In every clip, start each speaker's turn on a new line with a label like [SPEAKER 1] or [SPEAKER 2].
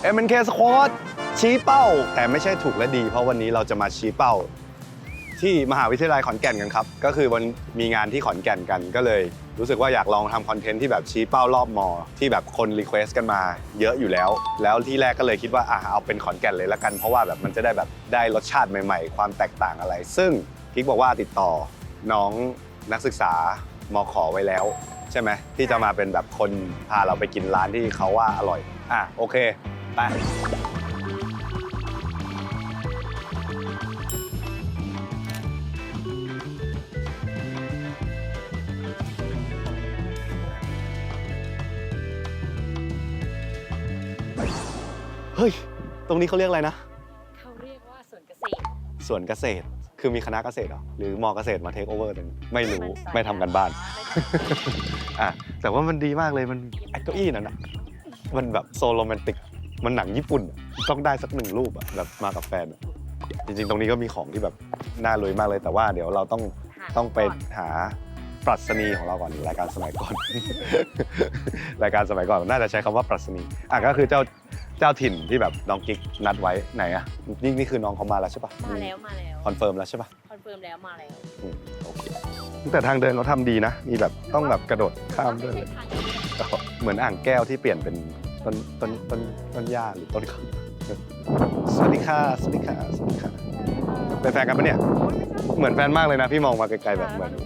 [SPEAKER 1] MNK Squad ชี้เป้าแต่ไม่ใช่ถูกและดีเพราะวันนี้เราจะมาชี้เป้าที่มหาวิทยาลัยขอนแก่นกันครับก็คือวันมีงานที่ขอนแก่นกันก็เลยรู้สึกว่าอยากลองทำคอนเทนต์ที่แบบชี้เป้ารอบมอที่แบบคนรีเควสต์กันมาเยอะอยู่แล้วที่แรกก็เลยคิดว่าเอาเป็นขอนแก่นเลยละกันเพราะว่าแบบมันจะได้แบบได้รสชาติใหม่ๆความแตกต่างอะไรซึ่งกิ๊กบอกว่าติดต่อน้องนักศึกษามข.ไว้แล้วใช่ไหมที่จะมาเป็นแบบคนพาเราไปกินร้านที่เขาว่าอร่อยโอเคไปเฮ้ยตรงนี้เขาเรียกอะไรนะ
[SPEAKER 2] เขาเรียกว่าสวนเกษตร
[SPEAKER 1] สวนเกษตรคือมีคณะเกษตรเหรอหรือมอเกษตรมาเทคโอเวอร์ไม่รู้ไม่ทำกันบ้านแต่ว่ามันดีมากเลยมันไอ้เก้าอี้นั่นนะมันแบบโซโรแมนติกมันหนังญี่ปุ่นต้องได้สัก1 รูปแบบมากับแฟนจริงๆตรงนี้ก็มีของที่แบบน่าลุยมากเลยแต่ว่าเดี๋ยวเราต้องไปหาปรัชนีของเราก่อนรายการสมัยก่อน รายการสมัยก่อนน่าจะใช้คำว่าปรัชนีก็คือเจ้าถิ่นที่แบบน้องกิ๊กนัดไว้ไหนนี่คือน้องเขามาแล้วใช่ปะ
[SPEAKER 2] มาแล้ว
[SPEAKER 1] คอนเฟิร์มแล้วใช่ปะ
[SPEAKER 2] คอนเฟิร์มแล้วมาแล้ว
[SPEAKER 1] โอเคแต่ทางเดินเขาทำดีนะมีแบบต้องแบบกระโดดข้ามด้วยเลยเหมือนอ่างแก้วที่เปลี่ยนเป็นต้นหญ้าหรือต้นข้าวสวัสดีค่ะสวัสดีค่ะสวัสดีค่ะเป็นแฟนกันปะเนี่ยเหมือนแฟนมากเลยนะพี่มองมาไกลๆแบบเหมือน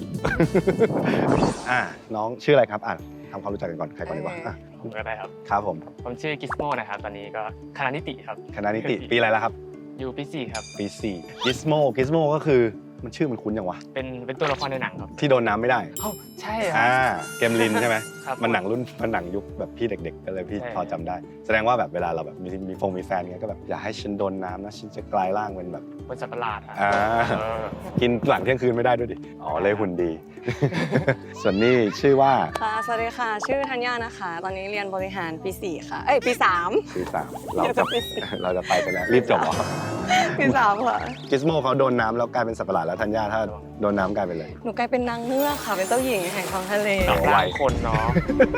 [SPEAKER 1] น้องชื่ออะไรครับทำความรู้จักกันก่อนใครก่อนดีกว่า
[SPEAKER 3] ผมก็ได้ครับ
[SPEAKER 1] ครับผม
[SPEAKER 3] ชื่อกิสโมนะครับตอนนี้ก็คณะนิติครับ
[SPEAKER 1] คณะนิติปีอะไรแล้วครับ
[SPEAKER 3] อยู่ปี 4ครับ
[SPEAKER 1] ปี4 Gizmo ก็คือมันชื่อมันคุ้นยังวะ
[SPEAKER 3] เป็นตัวละครในหนังครับ
[SPEAKER 1] ที่โดนน้ำไม่ได้
[SPEAKER 3] ใช่
[SPEAKER 1] เกมลินใช่ไหม
[SPEAKER 3] ครับ
[SPEAKER 1] มันหนังยุคแบบพี่เด็กๆก็เลยพี่พอจำได้แสดงว่าแบบเวลาเราแบบมีแฟนเงี้ยก็แบบอย่าให้ฉันโดนน้ำนะฉันจะกลายร่างเป็นแบบ
[SPEAKER 3] คนสัตว์ประหลาด
[SPEAKER 1] กินหลังเที่ยงคืนไม่ได้ด้วยดิเลยหุ่นดี ส่วนนี้ชื่อว่า
[SPEAKER 4] ค่ะสวัสดีค่ะชื่อธัญญานะคะตอนนี้เรียนบริหารปี4ค่ะปี3
[SPEAKER 1] เราจะไปกันแล้วรีบจบเหรอ
[SPEAKER 4] ปี3ค่ะ
[SPEAKER 1] กิสโมเขาโดนน้ำแล้วกลายเป็นสัตว์ประหลาดแล้วธัญญาถ้าโดนน้ำกลายเป็นอะไร
[SPEAKER 4] หนูกลายเป็นนางเงือกค่ะเป็นเจ้าหญิงแห่งท้องทะเล
[SPEAKER 3] หลายคนเนาะ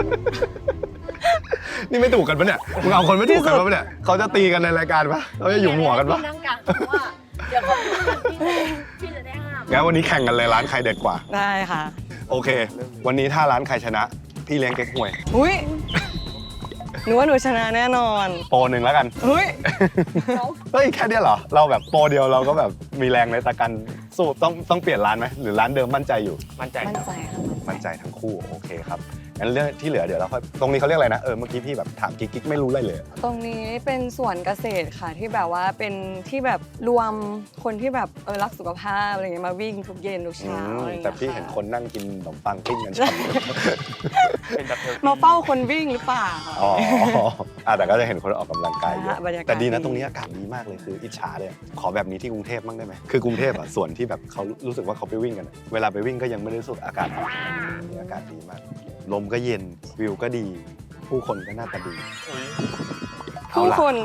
[SPEAKER 1] นี่ไม่ถูกกันปะเนี่ยมึงเอาคนไม่ถูกกันปะเนี่ยเขาจะตีกันในรายการปะเขาจะอยู่หัวกันปะ
[SPEAKER 2] นั่งกลางว่าเดี๋ยวพี่จะได้ห้าม
[SPEAKER 1] งั้นวันนี้แข่งกันเลยร้านใครเด็ดกว่า
[SPEAKER 4] ได้ค่ะ
[SPEAKER 1] โอเควันนี้ถ้าร้านใครชนะพี่เลี้ยงเก๊กฮวย
[SPEAKER 4] อุ้ยหนูว่าหนูชนะแน่นอน
[SPEAKER 1] โปร1แล้วกัน
[SPEAKER 4] เฮ้ย
[SPEAKER 1] แค่นี้เหรอเราแบบโปรเดียวเราก็แบบมีแรงในตะกันสู้ต้องเปลี่ยนร้านไหมหรือร้านเดิมมั่นใจอยู่
[SPEAKER 3] มั่นใจ
[SPEAKER 1] ทั้งคู่โอเคครับงั้นเรื่องที่เหลือเดี๋ยวเราค่อยตรงนี้เขาเรียกอะไรนะเมื่อกี้พี่แบบถามกิ๊กไม่รู้อะไรเลย
[SPEAKER 4] ตรงนี้เป็นสวนเกษตรค่ะที่แบบว่าเป็นที่แบบรวมคนที่แบบรักสุขภาพอะไรเงี้ยมาวิ่งทุกเย็นทุกเช้าอะไรเงี้ย
[SPEAKER 1] แต่พี่เห็นคนนั่งกินขนมปังปิ้งกันชอบ
[SPEAKER 4] มาเฝ้าคนวิ่งหรือเปล่า
[SPEAKER 1] แต่ก็จะเห็นคนออกกำลังกายเยอะแต่ดีนะตรงนี้อากาศดีมากเลยคืออิจฉาเลยขอแบบนี้ที่กรุงเทพบ้างได้ไหมคือกรุงเทพสวนที่แบบเขารู้สึกว่าเขาไปวิ่งกันเวลาไปวิ่งก็ยังไม่ได้รู้สึกอากาศดีมากลมก็เย็นวิวก็ดีผู้คนก็หน้าตาดี
[SPEAKER 4] ผู้คน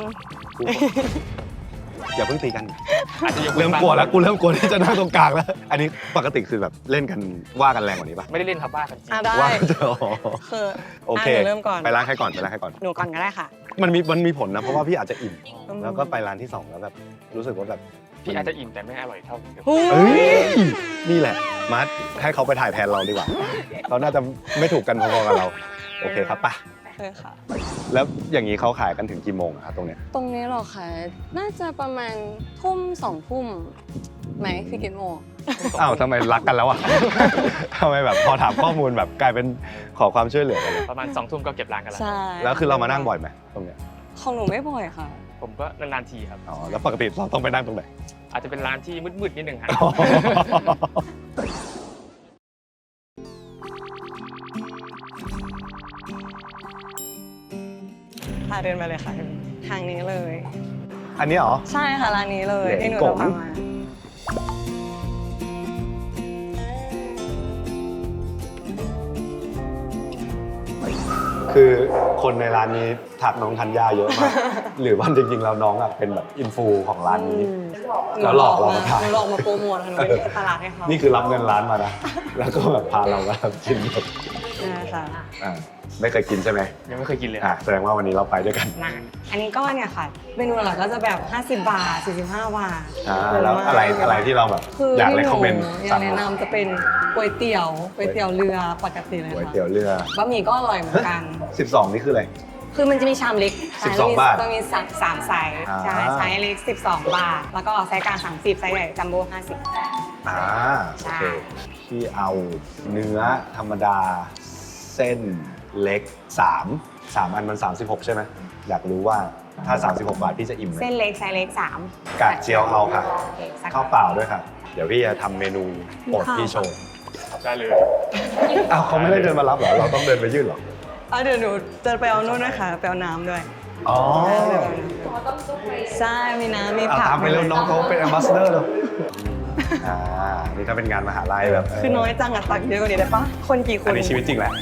[SPEAKER 1] อย่าเพิ่งตีกันเริ่มกลัวแล้วกูเริ่มกลัวที่จะนั่งตรงกลางแล้วอันนี้ปกติคือแบบเล่นกันว่ากันแรงกว่านี้ปะ
[SPEAKER 3] ไม่ได้เล่นครับว่ากันจริง
[SPEAKER 4] ได้
[SPEAKER 1] ว่า
[SPEAKER 4] คือ
[SPEAKER 1] โอเค
[SPEAKER 4] เริ่มก่อน
[SPEAKER 1] ไปร้านใครก่อน
[SPEAKER 4] หนูก่อนก็ได้ค่ะ
[SPEAKER 1] มันมีผลนะเพราะว่าพี่อาจจะอิ่มแล้วก็ไปร้านที่2แล้วแบบรู้สึกว่าแบบ
[SPEAKER 3] พี่อาจจะอิ่มแต่ไม่อร่อยเท่า
[SPEAKER 1] นี่แหละมาร์ทให้เขาไปถ่ายแทนเราดีกว่าเขาน่าจะไม่ถูกกันพอๆกับเราโอเคครับป่ะ
[SPEAKER 4] ค่ะ
[SPEAKER 1] แล้วอย่างนี้เขาขายกันถึงกี่โมงครับตรงนี้
[SPEAKER 4] หรอคะน่าจะประมาณทุ่ม2 ทุ่มไหมพี่กินโม
[SPEAKER 1] ทำไมรักกันแล้วอ่ะทำไมแบบพอถามข้อมูลแบบกลายเป็นขอความช่วยเหลือกัน
[SPEAKER 3] ประมาณ2 ทุ่มก็เก็บร้านกันแล้ว
[SPEAKER 4] ใช่
[SPEAKER 1] แล้วคือเรามานั่งบ่อยไหมตรงเนี้ย
[SPEAKER 4] ของหนูไม่บ่อยค่ะ
[SPEAKER 3] ผมก็นานๆทีครับ
[SPEAKER 1] แล้วปกติเราต้องไปนั่งตรงไหน
[SPEAKER 3] อาจจะเป็นร้านที่มืดๆนิดนึงครับ
[SPEAKER 4] พาเดินไปเลยค่ะทางนี้เลย
[SPEAKER 1] อันนี้เหรอ
[SPEAKER 4] ใช่ค่ะร้านนี้เลยที่หนูจะพามา
[SPEAKER 1] คือคนในร้านนี้ถักน้องธัญญาเยอะมากหรือว่าจริงๆแล้วน้องเป็นแบบอินฟูของร้านนี้แล้วหลอกเรามาถ่าย
[SPEAKER 4] หลอกมาโปรโมทหนูเป็นตลาดให้เขา
[SPEAKER 1] นี่คือรับเงินร้านมานะแล้วก็แบบพาเรามากินแบบ
[SPEAKER 4] นะคะ
[SPEAKER 1] ไม่เคยกินใช่ไหม
[SPEAKER 3] ยังไม่เคยกินเลย
[SPEAKER 1] แสดงว่าวันนี้เราไปด้วยกัน
[SPEAKER 4] มาอันนี้ก็เนี่ยค่ะเมนูหลักก็จะแบบ50 บาท45 บาท
[SPEAKER 1] แล้วอะไรที่เราแบบ
[SPEAKER 4] คือ
[SPEAKER 1] อยาก
[SPEAKER 4] ที่
[SPEAKER 1] เลย
[SPEAKER 4] ห
[SPEAKER 1] คอมเมนต์
[SPEAKER 4] อยากแนะนำจะเป็นก๋วยเตี๋ยวเรือปกติเลย
[SPEAKER 1] ก๋วย
[SPEAKER 4] ค่ะ
[SPEAKER 1] เตี๋ยวเรือบ
[SPEAKER 4] ะหมี่ก็อร่อยเหมือนกัน
[SPEAKER 1] 12นี่คืออะไร
[SPEAKER 4] คือมันจะมีชามเล็ก
[SPEAKER 1] 12 บาท
[SPEAKER 4] จะมี3ไซส์ใช่ไซส์เล็ก12 บาท แล้วก็ไซส์กลาง30ไซส์ใหญ่จัมโบ้50
[SPEAKER 1] โอเคพี่เอาเนื้อธรรมดาเส้นเล็ก3อันมัน36ใช่ไหมอยากรู้ว่าถ้า36 บาทพี่จะอิ่มไหม
[SPEAKER 4] เส้นเล็กไซส์เล็ก3
[SPEAKER 1] กากเจียวเอาค่ะ
[SPEAKER 4] โอเคสัก
[SPEAKER 1] ข้าวเปล่าด้วยค่ะ เดี๋ยวพี่จะทำเมนูโปรดพี่โชว์
[SPEAKER 3] ได้เลย
[SPEAKER 1] อ้าวเขาไม่ได้เดินมารับเหรอ เราต้องเดินไปยื่นเหรอ
[SPEAKER 4] เดี๋ยวหนูจะไปเอานู่นนะคะไปเอาน้ำด้วย
[SPEAKER 1] อ๋อ
[SPEAKER 4] ใช่มีน้ำมี
[SPEAKER 1] เอา
[SPEAKER 4] ผัก
[SPEAKER 1] ตามไปเร็วน้องเขาเป็นแอมบาสเดอร์เลยนี่ถ้าเป็นงานมหาลัยแบบ
[SPEAKER 4] คือน้อยจังอะตักเยอะกว่านี้ได้ปะคนกี่ค
[SPEAKER 1] อัน
[SPEAKER 4] น
[SPEAKER 1] นี้ชีวิตจริงแหละ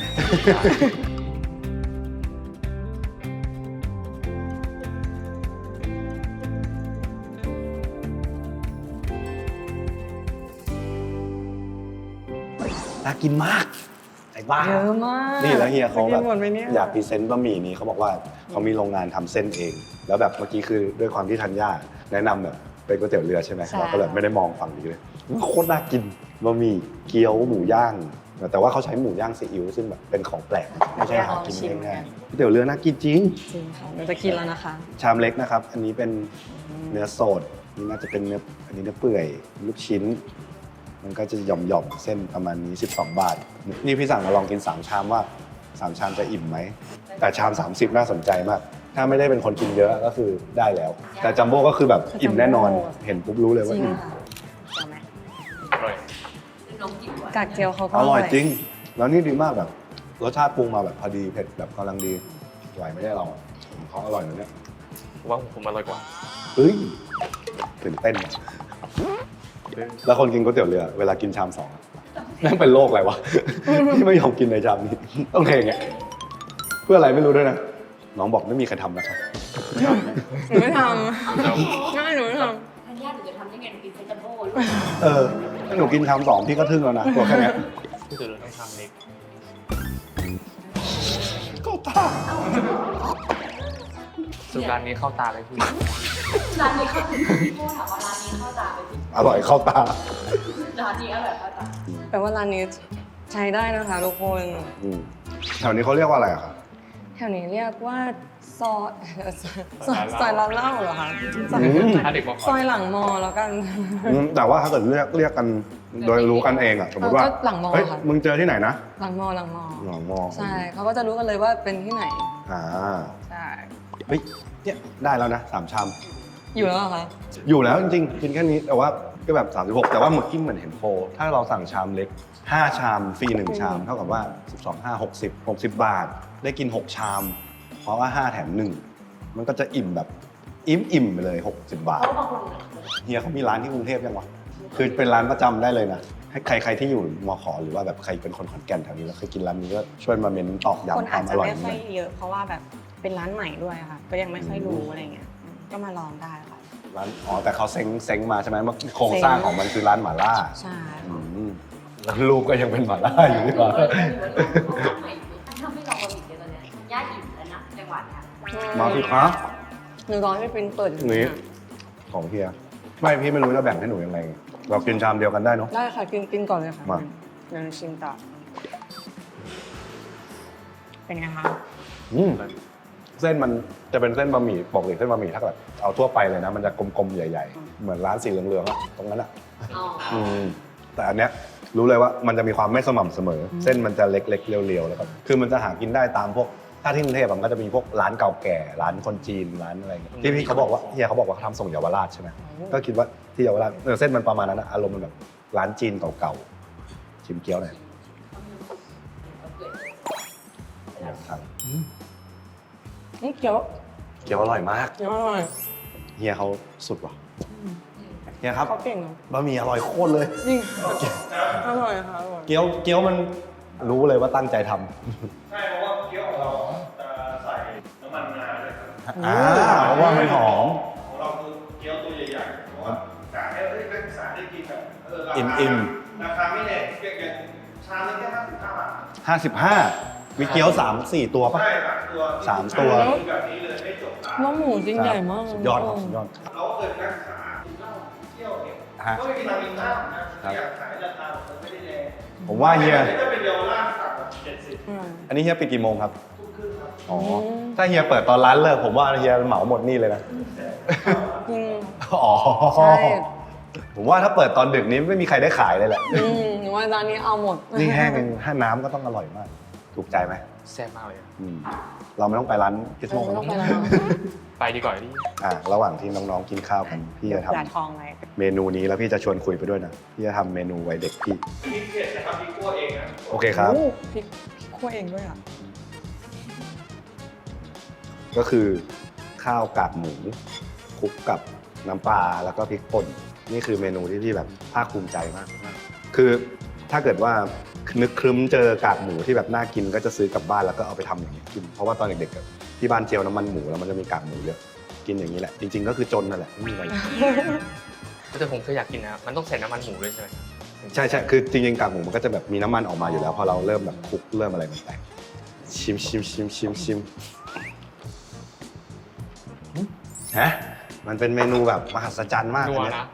[SPEAKER 1] น่ากินมากไอ้บ้า
[SPEAKER 4] เยอะมาก
[SPEAKER 1] นี่แล้วเฮียเขาแบบ
[SPEAKER 4] กินหมดไหมเนี่ย
[SPEAKER 1] อยากพรีเซนต์บะหมี่นี้เขาบอกว่าเขามีโรงงานทำเส้นเอง แล้วแบบเมื่อกี้คือด้วยความที่ธัญญาแนะนำแบบเป็นก๋วยเตี๋ยวเรือใช่ไหมเราก็เลยไม่ได้มองฝั่งนี้เลยโคตรน่ากินบะหมี่เกี๊ยวหมูย่าง แต่ว่าเขาใช้หมูย่างซีอิ๊วซึ่งแบบเป็นของแปลกไม่ใช่หากินง่ายๆก๋วยเตี๋ยวเรือน่ากินจริง
[SPEAKER 4] จริงค่ะเราจะกินแล้วนะคะ
[SPEAKER 1] ชามเล็กนะครับ อันนี้เป็นเนื้อสดนี่น่าจะเป็นเนื้ออันนี้เนื้อเปื่อยลูกชิ้น มันก็จะหย่อมๆเส้นประมาณนี้12 บาทนี่พี่สั่งมาลองกิน3ชามว่า3ชามจะอิ่มไหมแต่ชาม30น่าสนใจมากถ้าไม่ได้เป็นคนกินเยอะก็คือได้แล้ว แต่จัมโบ้ก็คือแบบอิ่มแน่นอนเห็นปุ๊บรู้เลย
[SPEAKER 4] จ
[SPEAKER 1] ว่า
[SPEAKER 4] ริง
[SPEAKER 1] อิ่ม
[SPEAKER 4] ค่ะเอาไหม
[SPEAKER 3] อร่อย
[SPEAKER 4] กากเจียวเขาก็
[SPEAKER 1] อร่อยจริง แล้วนี่ดีมากแบบรสชาติปรุงมาแบบพอดีเผ็ดแบบกำลังดีไหวไม่ได้เราเขาอร่อยนะเนี่ย
[SPEAKER 3] ผมว่าผมอร่อยกว่า
[SPEAKER 1] เฮ้ยตื่นเต้นว่ะแล้วคนกินก๋วยเตี๋ยวเรือเวลากินชาม2นั่งเป็นโรคอะไรวะ ที่ไม่ยอมกินในชามนี้ต้องเทอย่างเงี้ยเพื่ออะไรไม่รู้ด้วยนะน้องบอกไม่มีใครทำนะครับ
[SPEAKER 4] หนูไม่ทำใช่หนูไม่ท
[SPEAKER 2] ทันยาหนูจะทำยังไงหนูกินเซนจัมโบ้ลูก
[SPEAKER 1] ถ้าหนูกินชาม2พี่ก็ทึ่งแล้วนะตัวแค่เนี้ย
[SPEAKER 3] ที่สุดเราต้องทำเล็ก
[SPEAKER 1] ก็ตา
[SPEAKER 3] สุดร้านนี้เข้าตาเลยพี่
[SPEAKER 2] ร้านนี้เข้าถึงพี่โม่ถามว่าร้านนี้เข้าตาไปที่
[SPEAKER 1] อร่อยเข้าตา
[SPEAKER 2] ร้านนี้อร่อยเข้าตา
[SPEAKER 4] ำแปลว่าร้านนี้ใช้ได้นะคะทุกคน
[SPEAKER 1] แถวนี้เขาเรียกว่าอะไรอะครับ
[SPEAKER 4] แถวนี้เรียกว่าซอยซอยร้านเหล้าเหรอคะซอย
[SPEAKER 3] ถ้าเด็กบอก
[SPEAKER 4] ซอยหลังมอแล้วกัน
[SPEAKER 1] แต่ว่าถ้าเกิดเรียกกันโดยรู้กันเองอะสมมติว่า
[SPEAKER 4] ก็หลังมอ
[SPEAKER 1] เฮ้ย
[SPEAKER 4] ค่ะ
[SPEAKER 1] มึงเจอที่ไหนนะ
[SPEAKER 4] หลังมอ
[SPEAKER 1] หลังมอ
[SPEAKER 4] ใช่เขาก็จะรู้กันเลยว่าเป็นที่ไหน
[SPEAKER 1] อ่า
[SPEAKER 4] ใช่
[SPEAKER 1] เฮ้ยเนี่ยได้แล้วนะ3ชาม
[SPEAKER 4] อยู่แล้วเหรอคะ
[SPEAKER 1] อยู่แล้วจริงๆ กินแค่นี้แต่ว่าก็แบบ36แต่ว่าเมื่อกี้เหมือนเห็นโปรถ้าเราสั่งชามเล็ก5ชามฟรี1ชามเท่ากับว่า12 5 60บาท ได้กิน6ชาม เพราะว่า5แถม1มันก็จะอิ่มแบบอิ่มไปเลย60 บาท
[SPEAKER 2] เพราะบางคน
[SPEAKER 1] เฮียเขามีร้านที่กรุงเทพยังวะคือเป็นร้านประจำได้เลยนะให้ใครที่อยู่มขหรือว่าแบบใครเป็นคนขอนแก่นแถวนี้แล้วเคยกินร้านนี้ก็ช่วยมาเมนตอก
[SPEAKER 4] คน
[SPEAKER 1] ย้ำค
[SPEAKER 4] อาว
[SPEAKER 1] าม
[SPEAKER 4] จ
[SPEAKER 1] อ
[SPEAKER 4] จะ
[SPEAKER 1] ร่อย
[SPEAKER 4] ไม่ค่
[SPEAKER 1] นี้
[SPEAKER 4] อยเยอะ เพราะว่าแบบเป็นร้านใหม่ด้วยค่ะ ก็ยังไม่ค่อยรู้อะไรเงี้ยก็มาลองได้ค่ะ
[SPEAKER 1] ร้านแต่เขาเซ้งมาใช่ไหมเมื่อโครงสร้างของมันคือร้านหม่าล่า
[SPEAKER 4] ใช่
[SPEAKER 1] แล้วรูปก็ยังเป็นหม่าล่าอยู่ดีกว่า
[SPEAKER 2] ถ้าไม่ลองบะหมี่เดี๋ยวตอนนี้ทันยาอิ่มแล้วนะจังหวัดเนี่ย
[SPEAKER 1] มาสิครับ
[SPEAKER 4] หนูรอให้เป็นเปิดอยู่
[SPEAKER 1] นี่ของเฮียไม่พี่ไม่รู้จะแบ่งให้หนูยังไง เรากินชามเดียวกันได้เนาะ
[SPEAKER 4] ได้ค่ะกินก่อนเลยค่ะ
[SPEAKER 1] มา
[SPEAKER 4] เดี๋ยวหนูชิมต่อเป็นไงคะ
[SPEAKER 1] เส้นมันจะเป็นเส้นบะหมี่ปกติเส้นบะหมี่ถ้าเกิดเอาทั่วไปเลยนะ มันจะกลมๆใหญ่ๆ เหมือนร้านสีเหลืองๆอะตรงนั้นอะ
[SPEAKER 2] อ๋อ
[SPEAKER 1] แต่อันเนี้ยรู้เลยว่ามันจะมีความไม่สม่ำเสมอ เส้นมันจะเล็กๆเรียวๆแล้วก็คือมันจะหากินได้ตามพวกถ้าที่กรุงเทพมันก็จะมีพวกร้านเก่าแก่ร้านคนจีนร้านอะไรเงี้ยที่พี่เขาบอกว่าเฮียเขาบอกว่าเขาทำส่งเยาวราชใช่ไหมก็คิดว่าที่เยาวราชเส้นมันประมาณนั้นนะอารมณ์มันแบบร้านจีนเก่าๆชิมเกี๊ยวหน่อยอยากทาน
[SPEAKER 4] นี่เกี๊ยว
[SPEAKER 1] เกี๊ยวอร่อยมาก
[SPEAKER 4] เกี๊ยวอร่อย
[SPEAKER 1] เฮียเขาสุดว่ะเฮียครับ
[SPEAKER 4] เขาเก่งเนาะ
[SPEAKER 1] บะหมี่อร่อยโคตรเลย
[SPEAKER 4] จริงอร่อยค่ะอร่อย
[SPEAKER 1] เกี๊ยวมันรู้เลยว่าตั้งใจทำ
[SPEAKER 5] ใช่เพราะว่าเกี๊ยวของเราจะใส่น้ำมันงาด้วยครับ
[SPEAKER 1] เพราะว่ามันหอม
[SPEAKER 5] ของเราคือเกี๊ยวตัวใหญ่ๆเพราะว่ากะให้นักศึกษาได้กินแบบราคา
[SPEAKER 1] อิ่ม
[SPEAKER 5] ราคาไม่แพงอย่างชามนึงแค่55 บาท
[SPEAKER 1] 55มีเกี๊ยว3-4 ตัวปะ
[SPEAKER 5] ใช่ครับตัว
[SPEAKER 1] 3 ตัว
[SPEAKER 5] แบบนี้เลยให้จบตาม
[SPEAKER 4] น้องหมูจริงใหญ่มาก
[SPEAKER 1] สุดยอดครับสุดยอด
[SPEAKER 5] เขาเคยนั่งขากินเหล้าเที่ยวเนี่ย
[SPEAKER 1] ฮะ
[SPEAKER 5] ก็ไม่มีทางกินข้าวนะอยากขายราคามันไม่ได้แรง
[SPEAKER 1] ผมว่าเฮีย
[SPEAKER 5] ถ้าเป็นเยาวราชสั่งแบบ70
[SPEAKER 1] อันนี้เฮียปิดกี่โมงครับ
[SPEAKER 5] ทุ่มครึ่งครับ
[SPEAKER 1] อ๋อ ถ้าเฮียเปิดตอนร้านเลิกผมว่าเฮียเหมาหมดนี่เลยนะ
[SPEAKER 4] จริง
[SPEAKER 1] อ๋อ
[SPEAKER 4] ใช่
[SPEAKER 1] ผมว่าถ้าเปิดตอนดึกนี้ไม่มีใครได้ขายเลยแหละ
[SPEAKER 4] หนูว่าร้านนี้เอาหมด
[SPEAKER 1] นี่แห้งเองถ้าน้ำก็ต้องอร่อยมาก ถูกใจไหม
[SPEAKER 3] แซ่บมากเลยอะ
[SPEAKER 1] อืมเราไม่ต้องไปร้านกิสโม
[SPEAKER 4] ไม่ต้องไปแล้ว
[SPEAKER 3] ไปดีกว่าพี่
[SPEAKER 1] ระหว่างที่น้องๆกินข้าวกัน พี่จะท
[SPEAKER 4] ด่าทองไว้
[SPEAKER 1] ำเมนูนี้แล้วพี่จะชวนคุยไปด้วยนะ พี่จะทำเมนูไว้เด็กพี่
[SPEAKER 5] พริกเผ็ดนะครับพริกคั่วเองนะ
[SPEAKER 1] โอเคครับ
[SPEAKER 4] โอ้พริกคั่วเองด้วยอ่ะ
[SPEAKER 1] ก็คือข้าวกากหมูคลุกกับน้ำปลาแล้วก็พริกป่นนี่คือเมนูที่พี่แบบภาคภูมิใจมาก คือถ้าเกิดว่านึกครึ้มเจอกากหมูที่แบบน่ากินก็จะซื้อกลับบ้านแล้วก็เอาไปทำอย่างนี้กินเพราะว่าตอนเด็กๆอะที่บ้านเจียวน้ำมันหมูแล้วมันจะมีกากหมูเยอะกินอย่างนี้แหละจริงๆก็คือจนนั่นแหละไม่มีอะไร
[SPEAKER 3] แต่ผมเคยอยากกินนะมันต้องใส่น้ำมันหมูด้วยใช่ไหม
[SPEAKER 1] ใช่ใช่คือจริงๆกากหมูมันก็จะแบบมีน้ำมันออกมาอยู่แล้วพอเราเริ่มแบบคลุกเริ่มอะไรมันแตกชิมฮะมันเป็นเมนูแบบมหัศจรรย์มาก
[SPEAKER 3] นั
[SPEAKER 1] อั
[SPEAKER 3] วน
[SPEAKER 1] เนี้ย
[SPEAKER 3] นะ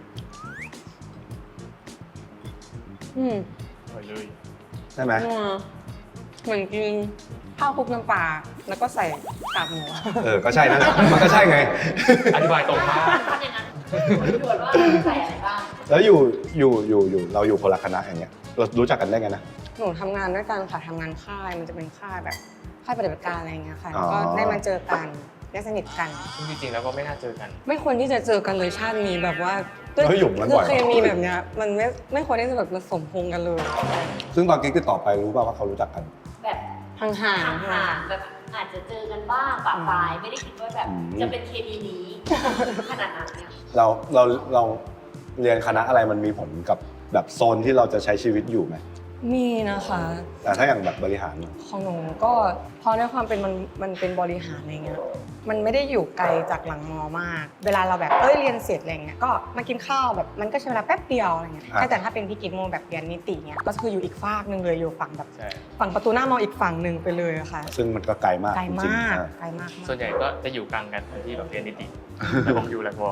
[SPEAKER 4] อืม
[SPEAKER 3] อร่อยเลย
[SPEAKER 1] ใช่ไหม
[SPEAKER 4] นัวเหมือนกินข้าวคลุกน้ำปลาแล้วก็ใส่กากหมู
[SPEAKER 1] ก็ใช่นั่นแหละมันก็ใช่ไง
[SPEAKER 3] อธิบายตรงมาก
[SPEAKER 2] ทำอย่างนั้นตรวจว่าใส่อะไรบ้าง
[SPEAKER 1] แล้วอยู่เราอยู่คนละคณะอย่างเงี้ยเรารู้จักกันได้ไงนะ
[SPEAKER 4] หนูทำงานด้วยกันค่ะทำงานค่ายมันจะเป็นค่ายแบบค่ายปฏิบัติการอะไรอย่างเงี้ยค่ะ
[SPEAKER 1] อ๋
[SPEAKER 4] แล้ว
[SPEAKER 1] อ
[SPEAKER 4] ก็ได้มาเจอกันได้สนิทกัน
[SPEAKER 3] ซึ่งจริงๆแล้วก็ไม่น่าเจอกัน
[SPEAKER 4] ไม่ควรที่จะเจอกันเลยชาตินี้แบบว่า
[SPEAKER 1] เฮ้ยหยุ่มกัน
[SPEAKER 4] คื
[SPEAKER 1] บ่
[SPEAKER 4] อ
[SPEAKER 1] อย
[SPEAKER 4] เคมีแบบเนี้ยมันไม่ควรที่จะแบบผสมพงกันเลย
[SPEAKER 1] ซึ่งตอนกิ๊กติดต่อไปรู้ป่าวว่าเขารู้จักกัน
[SPEAKER 2] แบบ
[SPEAKER 4] ห่าง
[SPEAKER 2] ห่างๆแบบอาจจะเจอกันบ้างปะปลายไม่ได้คิดว่าแบบ
[SPEAKER 1] อืม
[SPEAKER 2] จะเป็นเคมีนี้ขนาดนั้นเนี่ย
[SPEAKER 1] เราเรียนคณะอะไรมันมีผลกับแบบโซนที่เราจะใช้ชีวิตอยู่ไหม
[SPEAKER 4] ๆมีนะคะ
[SPEAKER 1] แต่ถ้าอย่างแบบบริหาร
[SPEAKER 4] ของหนูก็เพราะด้วยความเป็นมันเป็นบริหารอะไรเงี้ยมันไม่ได้อยู่ไกลจากหลังมอมาก เวลาเราแบบเรียนเสร็จอะไรเงี้ยก็มากินข้าวแบบมันก็ใช้เวลาแป๊บเดียวอะไรเงี้ยแต่ถ้าเป็นพี่กิ๊กโมแบบเรียนนิติเงี้ยก็คืออยู่อีกฝากหนึ่งเลยอยู่ฝั่งแบบ
[SPEAKER 3] ใช่
[SPEAKER 4] ฝั่งประตูหน้ามออีกฝั่งหนึ่งไปเลยอะค่ะ
[SPEAKER 1] ซึ่งมันก็ไกลมาก
[SPEAKER 4] ไกล
[SPEAKER 1] จริง
[SPEAKER 4] มาก
[SPEAKER 1] ๆอ่ะ
[SPEAKER 4] ไกลมาก
[SPEAKER 3] ส่วนใหญ่ก็จะอยู่กลางกันที่แบบเรียนนิติแต่ผมอยู่แหลกวอ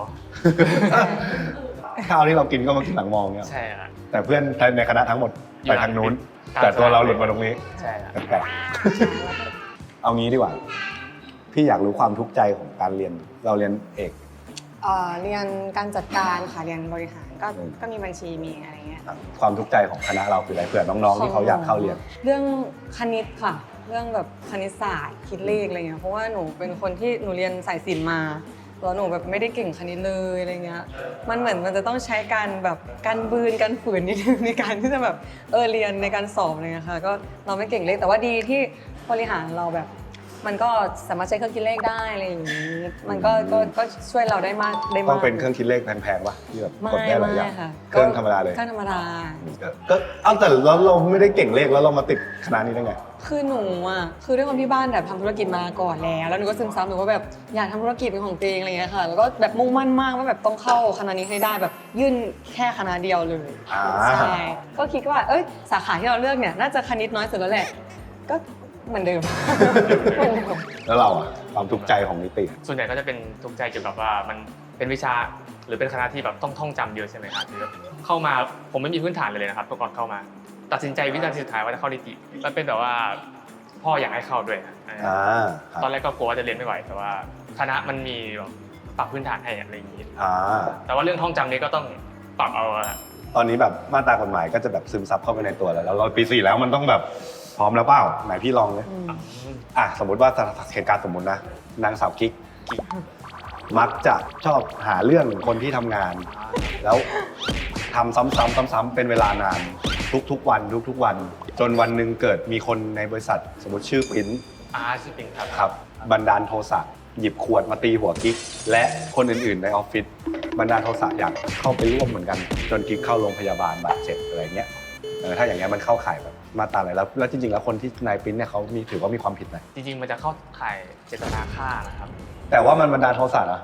[SPEAKER 1] ข้าวที่เรากินก็มากินหลังมองเนี่ย
[SPEAKER 3] ใช่อะ
[SPEAKER 1] แต่เพื่อนในคณะทั้งหมดไปทางนู้น แต่ตัวเราหลุดมาตรงนี้
[SPEAKER 3] ใช่อะ
[SPEAKER 1] แปลกๆเอางี้ดีกว่า พี่อยากรู้ความทุกข์ใจของการเรียนเราเรียนเอก
[SPEAKER 4] เรียนการจัดการค่ะเรียนบริหารก็
[SPEAKER 1] อืม
[SPEAKER 4] ก็มีบัญชีมีอะไรเงี้ย
[SPEAKER 1] ความทุกข์ใจของคณะเราคืออะไรเผื่อน้องๆที่เขาอยากเข้าเรียน
[SPEAKER 4] เรื่องคณิตค่ะ เรื่องแบบคณิตศาสตร์คิดเลขอะไรเงี้ยเพราะว่าหนูเป็นคนที่หนูเรียนสายศิลป์มาแล้วหนูแบบไม่ได้เก่งคณิตเลยอะไรเงี้ยมันเหมือนมันจะต้องใช้การแบบการบืนการฝืนนิดนึงในการที่จะแบบเรียนในการสอบอะไรเงี้ยค่ะก็เราไม่เก่งเลขแต่ว่าดีที่บริหารเราแบบ มันก็สามารถใช้เครื่องคิดเลขได้อะไรอย่างนี้มันก็ช่วยเราได้มากได้มาก
[SPEAKER 1] ต้องเป็นเครื่องคิดเลขแพงๆป่ะที่แบบ
[SPEAKER 4] ไม่
[SPEAKER 1] กดได้หลายอย่าง
[SPEAKER 4] ไม่ค่ะ
[SPEAKER 1] เครื่องธรรมดาเลย
[SPEAKER 4] เครื่องธรรมดา
[SPEAKER 1] ก็เอาแต่เราไม่ได้เก่งเลขแล้วเรามาติดคณะนี้ได้ไง
[SPEAKER 4] คือหนูอ่ะคือด้วยความที่บ้านแบบทำธุรกิจมาก่อนแล้วหนูก็ซึมซับหนูว่าแบบอยากทำธุรกิจเป็นของตัวเองอะไรอย่างเงี้ยค่ะ แล้วก็แบบมุ่งมั่นมากว่าแบบต้องเข้าคณะนี้ให้ได้แบบยื่นแค่คณะเดียวเลย
[SPEAKER 1] อ่า
[SPEAKER 4] ใช่ก็คิดว่าสาขาที่เราเลือกเนี่ยน่าจะคณิตน้อยสุดแล้วแหละก็เหมือนเดิม เหมือนเดิม
[SPEAKER 1] แล้วเราอะความทุกข์ใจของนิติ
[SPEAKER 3] ส่วนใหญ่ก็จะเป็นทุกข์ใจเกี่ยวกับว่ามันเป็นวิชาหรือเป็นคณะที่แบบต้องท่องจำเยอะใช่ไหมครับคือเข้ามาผมไม่มีพื้นฐานเลยนะครับก่อนเข้ามา ตัดสินใจวินาทีสุดท้ายว่าจะเข้านิติมันเป็นแบบว่าพ่ออยากให้เข้าด้วยครับ
[SPEAKER 1] ครับ
[SPEAKER 3] ตอนแรกก็กลัวว่าจะเรียนไม่ไหวแต่ว่าคณะมันมีแบบปรับพื้นฐานให้อะไรอย่างนี้ แต่ว่าเรื่องท่องจำนี้ก็ต้องปรับเอาอะ
[SPEAKER 1] ตอนนี้แบบมาตรากฎหมายก็จะแบบซึมซับเข้าไปในตัวแล้วเราปี 4แล้วมันต้องแบบพร้อมแล้วเปล่าไหนพี่ลองเลยสมมติว่าเหตุการณ์สมมตินะนางสาวกิ๊กมักจะชอบหาเรื่องคนที่ทำงาน แล้วทำซ้ำๆเป็นเวลานานทุกๆวันจนวันหนึ่งเกิดมีคนในบริษัทสมมติชื่อปิ้น
[SPEAKER 3] ชื่อปิงครับ
[SPEAKER 1] ครับบันดาลโทสะหยิบขวดมาตีหัวกิ๊กและคนอื่นๆในออฟฟิศบันดาลโทสะอยากเข้าไปร่วมเหมือนกันจนกิ๊กเข้าโรงพยาบาลบาดเจ็บอะไรเงี้ยถ้าอย่างเงี้ยมันเข้าข่ายแบบมาตราอะไรแล้วจริงๆแล้วคนที่นายปิ้นเนี่ยเขามีถือว่ามีความผิดไหม
[SPEAKER 3] จริงๆมันจะเข้าข่ายเจตนาฆ่านะครับ
[SPEAKER 1] แต่ว่ามันบันดาลโทสะนะ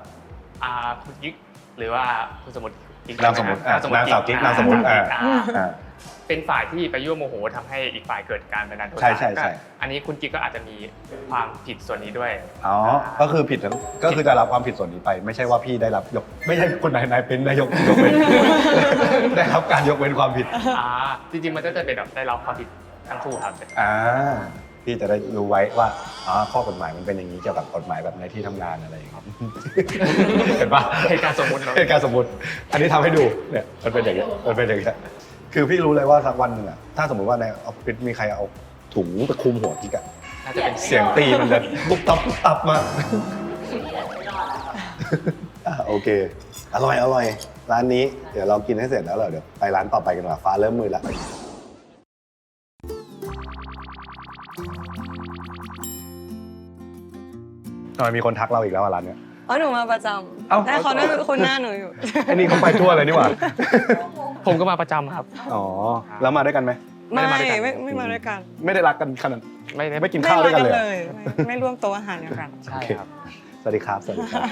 [SPEAKER 3] คุณกิ๊กหรือว่าคุณสมมติกิ๊ก
[SPEAKER 1] นามสมมุตินางสาวกิ๊กนามสมมุติ
[SPEAKER 3] เป็นฝ่ายที่ไปยั่วโมโหทำให้อีกฝ่ายเกิดการบันดาลโทสะ
[SPEAKER 1] ใช่
[SPEAKER 3] ก็อันนี้คุณกิ๊กก็อาจจะมีความผิดส่วนนี้ด้วย
[SPEAKER 1] อ๋อก็คือผิดทั้งก็คือจะรับความผิดส่วนนี้ไป ไม่ใช่ว่าพี่ได้รับไม่ใช่คนไหนเป็นได้ยกเว้น ได้รับการยกเว้นความผิด
[SPEAKER 3] จริงๆมันก็จะเป็นแบบได้รับความผิดทั้งคู่ครับ
[SPEAKER 1] พี่จะได้รู้ไว้ว่าข้อกฎหมายมันเป็นอย่างนี้เกี่ยวกับกฎหมายแบบในที่ทำงานอะไรอย่างเงี้ย เห็นปะ
[SPEAKER 3] เหตุการณ์สมมุติเนาะ
[SPEAKER 1] เหตุการณ์สมมุติ อันนี้ทำให้ดูเนี่ยมันเป็นอย่างเงี้ยคือพี่รู้เลยว่าสักวันหนึ่งอะถ้าสมมติว่าในออฟฟิศมีใครเอาถุงตะคุมหัวกิ๊กอะ
[SPEAKER 3] น่าจะเป็น
[SPEAKER 1] เสียงตีมันจะตุ๊บตับมาก โอเคอร่อยร้านนี้เดี๋ยวเรากินให้เสร็จแล้วเดี๋ยวไปร้านต่อไปกันว่าฟ้าเริ่มมืดแล้วทำไมมีคนทักเราอีกแล้วร้านเนี้ย
[SPEAKER 4] หนูมาประจ
[SPEAKER 1] เอ้า
[SPEAKER 4] ำแต่เขาได้คุณหน้าหนูอยู่
[SPEAKER 1] ไอ้นี่เขาไปทั่วเลยนี่หว่า
[SPEAKER 3] ผมก็มาประจำครับ
[SPEAKER 1] อ๋อแล้วมาด้วยกันไหม
[SPEAKER 3] ไม่ได้มาด้วยกัน
[SPEAKER 4] ไม่มาด้วยกัน
[SPEAKER 1] ไม่ได้รักกันขนาด
[SPEAKER 3] ไม่ได้
[SPEAKER 1] ไม่กินข้าวด้วยกันเลย
[SPEAKER 4] ไม่ร่วมโต๊ะอาหารเดียวกัน
[SPEAKER 3] ใช่ครับ
[SPEAKER 1] สวัสดีครับ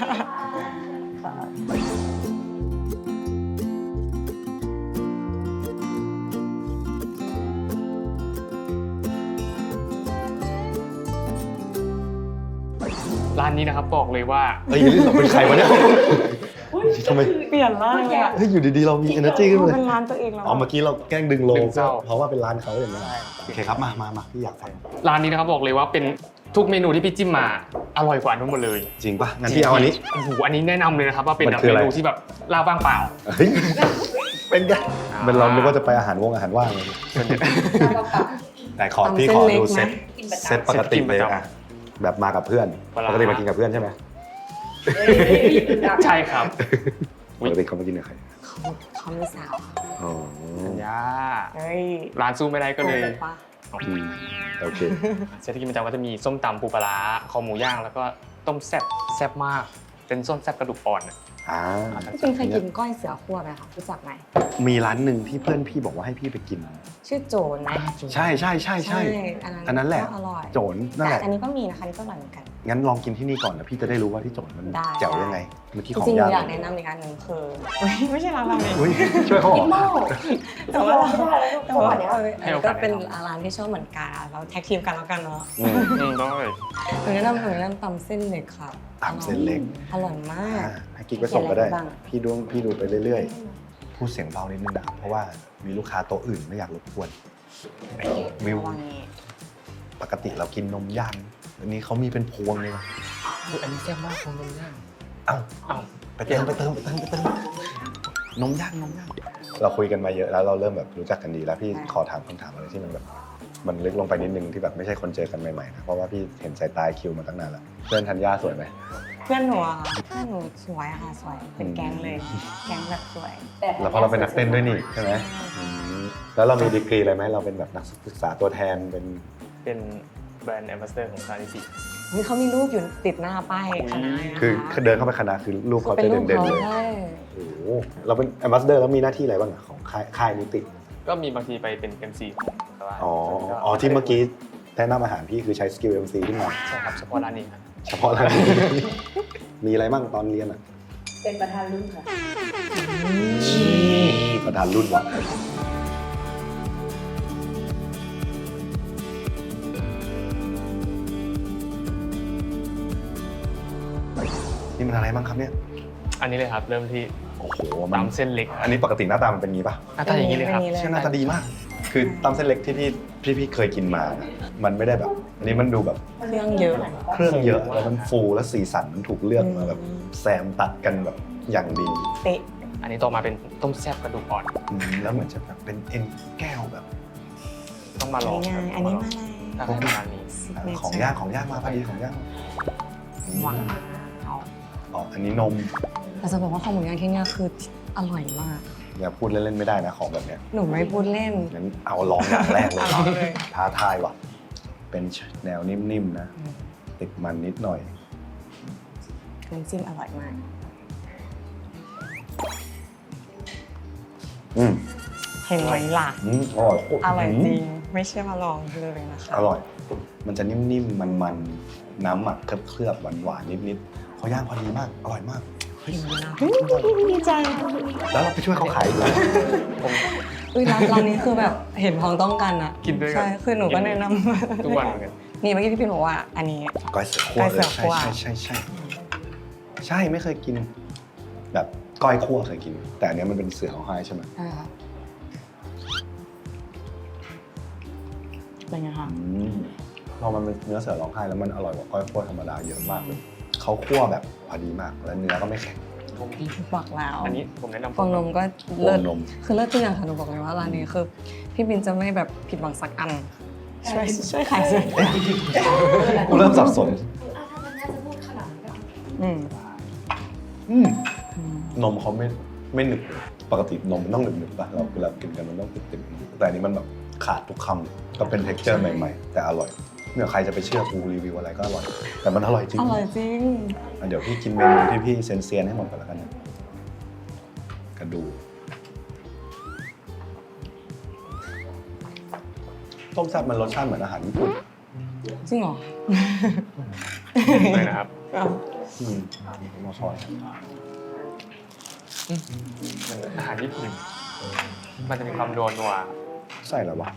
[SPEAKER 3] ร้านนี้นะครับบอกเลยว่า
[SPEAKER 1] เฮ้ยเราเป็นใครวะเนี่ยทำไม
[SPEAKER 4] เปลี่ยนร่างเลยอะ
[SPEAKER 1] เฮ้ยอยู่ดีๆเรามี energy ขึ้นมาเลย
[SPEAKER 4] เป็นร้านตัวเองแล้ว
[SPEAKER 1] เมื่อกี้เราแกล้งดึงโล
[SPEAKER 3] ดึงเศร้า
[SPEAKER 1] เพราะว่าเป็นร้านเขาอย่างนี้โอเคครับมาพี่อยากฟัง
[SPEAKER 3] ร้านนี้นะครับบอกเลยว่าเป็นทุกเมนูที่พี่จิ้มมาอร่อยกว่าทั้งหมดเลย
[SPEAKER 1] จริงป่ะงั้นพี่เอาอันนี้
[SPEAKER 3] โอ้โหอันนี้แนะนำเลยนะครับว่าเป็น
[SPEAKER 1] มัน
[SPEAKER 3] แบบ
[SPEAKER 1] คือ
[SPEAKER 3] เม
[SPEAKER 1] อะไร
[SPEAKER 3] นูที่แบบลาบว่างเปล่า
[SPEAKER 1] เฮ้ยเป็นไงเป็นเรานึกว่าจะไปอาหารว่างเลยแต่ขอพี่ขอดูเซต
[SPEAKER 2] กินประจำ
[SPEAKER 1] เซตปกติเลย
[SPEAKER 3] เซตกินประจำ
[SPEAKER 1] อะแบบมากับเพื่อน
[SPEAKER 3] ปลาร้า
[SPEAKER 1] ปกติมากินกับเพื่อนใช่ไหม
[SPEAKER 3] ใช่ครับ
[SPEAKER 1] ปกติเขามากินกับใคร
[SPEAKER 4] เขามีสาว
[SPEAKER 1] อ๋อ
[SPEAKER 3] สัญญา
[SPEAKER 4] เฮ้ย
[SPEAKER 3] ร้านสู้ไม่ได้ก็เลย
[SPEAKER 4] ปะ
[SPEAKER 1] โอเค
[SPEAKER 3] เซตที่กินประจำก็จะมีส้มตำปูปลาร้าคอหมูย่างแล้วก็ต้มแซ่บมาก เป็นส้มแซ่บกระดูกอ่อนอะ
[SPEAKER 4] พี่ปิงเคยกินก้อยเสือคั่วไหมคะรู้จักไหม
[SPEAKER 1] มีร้านหนึ่งที่เพื่อนพี่บอกว่าให้พี่ไปกิน
[SPEAKER 4] ชื่อโจนไหม
[SPEAKER 1] ใช่อันนั้นแหละ
[SPEAKER 4] ก็อร่อย
[SPEAKER 1] โจนนั่นแห
[SPEAKER 4] แต่
[SPEAKER 1] ละ
[SPEAKER 4] อันนี้ก็มีนะคะนี่ก็อร่อยเหมือนกัน
[SPEAKER 1] งั้นลองกินที่นี่ก่อนนะพี่จะได้รู้ว่าที่โจนมัน
[SPEAKER 4] ได้
[SPEAKER 1] แจ๋วยังไงเมื่อกี้
[SPEAKER 4] จ
[SPEAKER 1] ของ
[SPEAKER 4] ริงๆหนู
[SPEAKER 1] ย่าง
[SPEAKER 4] อยากแนะนำอีกอันหนึ่งคือไม่ใช่ร้านราเมง
[SPEAKER 1] อุ้ยช่วยเขาเหรอ
[SPEAKER 4] แต่ว่า
[SPEAKER 2] แต่ว่า
[SPEAKER 3] ให้โอกาส
[SPEAKER 4] ก็เป็นร้านที่ชอบเหมือนกันเราแท็กทีมกันแล้วกันเนาะ
[SPEAKER 3] ได้
[SPEAKER 4] หนูแนะนำตำเส้นเล็กค่ะ
[SPEAKER 1] ตำเส้นเล็ก
[SPEAKER 4] อร่อยมาก
[SPEAKER 1] ให้กิ๊กไปส่งก็ได้
[SPEAKER 4] เขียนอะไรบ้าง
[SPEAKER 1] พี่ดูไปเรื่อยๆ พูดเสียงเบานิดนึงนะเพราะว่ามีลูกค้าโต๊ะอื่นไม่อยากรบกวนวิว
[SPEAKER 4] ระวังนี้
[SPEAKER 1] ปกติเรากินนมย่างอันนี้เขามีเป็นพวงเลยนะ
[SPEAKER 3] อันนี้แซ่บมากของนมย่าง
[SPEAKER 1] เอ้า
[SPEAKER 3] เอ้า
[SPEAKER 1] ไปเติมนมย่างเราคุยกันมาเยอะแล้วเราเริ่มแบบรู้จักกันดีแล้วพี่ขอถามคำถามอะไรที่มันแบบมันลึกลงไปนิดนึงที่แบบไม่ใช่คนเจอกันใหม่ๆนะเพราะว่าพี่เห็นสายตาคิวมาตั้งนานแล้วเพื่อนธัญญาสวยไหม
[SPEAKER 4] เพื่อนหนูอะค่ะเพื่อนหนูสวยอะค่ะสวยเป็นแก๊งเลย แก๊งแบบสวย
[SPEAKER 1] แล้วเพราะเราเป็นนักเต้นด้วยนี่ใช่ไหมแล้วเรามีดีกรีอะไรไหมเราเป็นแบบนักศึกษาตัวแทนเป็น
[SPEAKER 3] เป็นแบรนด์แอมบาสเดอร์ของซานิสิ
[SPEAKER 4] เฮ้ยเขามีรูปอยู่ติดหน้าป้ายคณะนะคะ
[SPEAKER 1] คือเดินเข้าไปคณะคือรูปเขา
[SPEAKER 4] เป็น
[SPEAKER 1] จะ
[SPEAKER 4] รูป
[SPEAKER 1] เด่น
[SPEAKER 4] เขา
[SPEAKER 1] ๆเลย
[SPEAKER 4] ใช่
[SPEAKER 1] โอ้โหเราเป็นแอมบาสเดอร์แล้วมีหน้าที่อะไรบ้างอะของค่ายนิติ
[SPEAKER 3] ก็มีบางทีไปเป็น MC แต่ว่า
[SPEAKER 1] อ๋อที่เมื่อกี้แนะนำอาหารพี่คือใช้สกิล MC ขึ้นมา
[SPEAKER 3] ใช่ครับเฉพาะร้านนี้ครับ
[SPEAKER 1] เฉพาะร้านนี้ มีอะไรบ้างตอนเรียนอ่ะ
[SPEAKER 2] เป็นประธานรุ่นค่ะ
[SPEAKER 1] ประธานรุ่นวะนี่มันอะไรบ้างครับเนี่ย
[SPEAKER 3] อันนี้เลยครับเริ่มที่
[SPEAKER 1] โอ้โหมัน
[SPEAKER 3] ตำเส้นเล็ก
[SPEAKER 1] อันนี้ปกติหน้าตามันเป็นงี้ป่ะ
[SPEAKER 3] หน้าตาอย่างนี้เลยครับ
[SPEAKER 4] ป็
[SPEAKER 1] เชื่อหน้าตาดีมาก คือตำเส้นเล็กที่พี่เคยกินมานะมันไม่ได้แบบ อันนี้มันดูแบบ
[SPEAKER 4] เครื่องเยอะ
[SPEAKER 1] เครื่องเยอะแล้วมันฟูและสีสันมันถูกเลือกมาแบบแซมตัดกันแบบอย่างดี
[SPEAKER 4] เป๊ะ
[SPEAKER 3] อันนี้ต่อมาเป็นต้มแซ่บกระดูกอ่อน
[SPEAKER 1] แล้วเหมือนจะแบบเป็นเอ็นแก้วแบบ
[SPEAKER 3] ต้องมาลอง
[SPEAKER 4] ง่ายๆอันนี้มาเลย
[SPEAKER 3] ถ้าให้ประมาณนี้
[SPEAKER 1] ของย่างมาพอดีของย่าง
[SPEAKER 4] หวานเอา
[SPEAKER 1] อ๋ออันนี้นม
[SPEAKER 4] แต่จะบอกว่าข้าวหมูย่างที่เนี่ยคืออร่อยมาก
[SPEAKER 1] อย่าพูดเล่นๆไม่ได้นะของแบบเนี้ย
[SPEAKER 4] หนูไม่พูดเล่น
[SPEAKER 1] งั้นเอาลองอย่างแรกเลย
[SPEAKER 4] ลองเลย
[SPEAKER 1] ท้าทายว่ะ เป็นแนวนิ่มๆนะ ติดมันนิดหน่อย
[SPEAKER 4] น้ำจิ้มอร่อยมาก
[SPEAKER 1] อืม
[SPEAKER 4] เห็นไหมล่ะ
[SPEAKER 1] อร่อย
[SPEAKER 4] อร่อยจริง ไม่เชื่อมาลองเลยนะคะ
[SPEAKER 1] อร่อย มันจะนิ่มๆ มันๆ น้ำหมักเคลือบๆหวานๆนิดๆเขาย่างพอดีมาก อร่อยมากเฮ้ย
[SPEAKER 4] ดีใจ
[SPEAKER 1] แล้วเราไปช่วยเขาขายอีกแล้ว
[SPEAKER 3] ผม
[SPEAKER 4] ร้านนี้คือแบบเห็นพ้องต้องกันอะ
[SPEAKER 3] กินด้วยกัน
[SPEAKER 4] ใช่คือหนูก็แนะนำ
[SPEAKER 3] ทุกวันเหมือนกัน
[SPEAKER 4] นี่เมื่อกี้พี่ปิ่นบอกว่าอันนี้
[SPEAKER 1] ก้อยเสือคั่ว
[SPEAKER 4] ก้อยเสือคั่ว
[SPEAKER 1] ใช่ไม่เคยกิน แบบก้อยคั่วเคยกิน แต่อันเนี้ยมันเป็นเสือของไห้ใช่ไหม
[SPEAKER 4] ใช่ค่ะเป็นไงคะ
[SPEAKER 1] พอมันเป็นเนื้อเสือร้องไห้แล้วมันอร่อยกว่าก้อยคั่วธรรมดาเยอะมากเลยเขาคั่วแบบพอดีมากแล้วเนื้อก็ไม่แข็ง
[SPEAKER 3] ผมที่
[SPEAKER 4] บอกแล้ว
[SPEAKER 3] อันนี้ผมแนะนำ
[SPEAKER 4] ฟองนมก็
[SPEAKER 1] ฟองนม
[SPEAKER 4] คือเลิศทุกอย่างค่ะหนูบอกเลยว่าร้านนี้คือพี่บินจะไม่แบบผิดหวังสักอันช่วยขายสิ
[SPEAKER 1] กูเริ่มสับสน
[SPEAKER 2] ถ้ามันน่าจะพูดขนาดนี้ก็
[SPEAKER 4] อืม
[SPEAKER 1] นมเขาไม่หนึบปกตินมมันต้องหนึบๆป่ะเราเวลากินกันมันต้องติดๆแต่อันนี้มันแบบขาดทุกคำก็เป็น texture ใหม่ๆ แต่อร่อยเนี่ยใครจะไปเชื่อกูรีวิวอะไรก็อร่อย แต่มันอร่อยจริง
[SPEAKER 4] อร่อยจริง
[SPEAKER 1] เดี๋ยวพี่กินเมนูที่พี่เซียนๆให้หมดก่อนแล้วกันนะกระดูกต้มแซ่บมันรสชาติเหมือนอาหารญี่ปุ่น
[SPEAKER 4] จริงเหรอ
[SPEAKER 3] เลยนะครับ
[SPEAKER 1] มาช้อน
[SPEAKER 3] มันอาหารญี่ปุ่นมันจะมีความนัว
[SPEAKER 1] ใส่แล้ววะ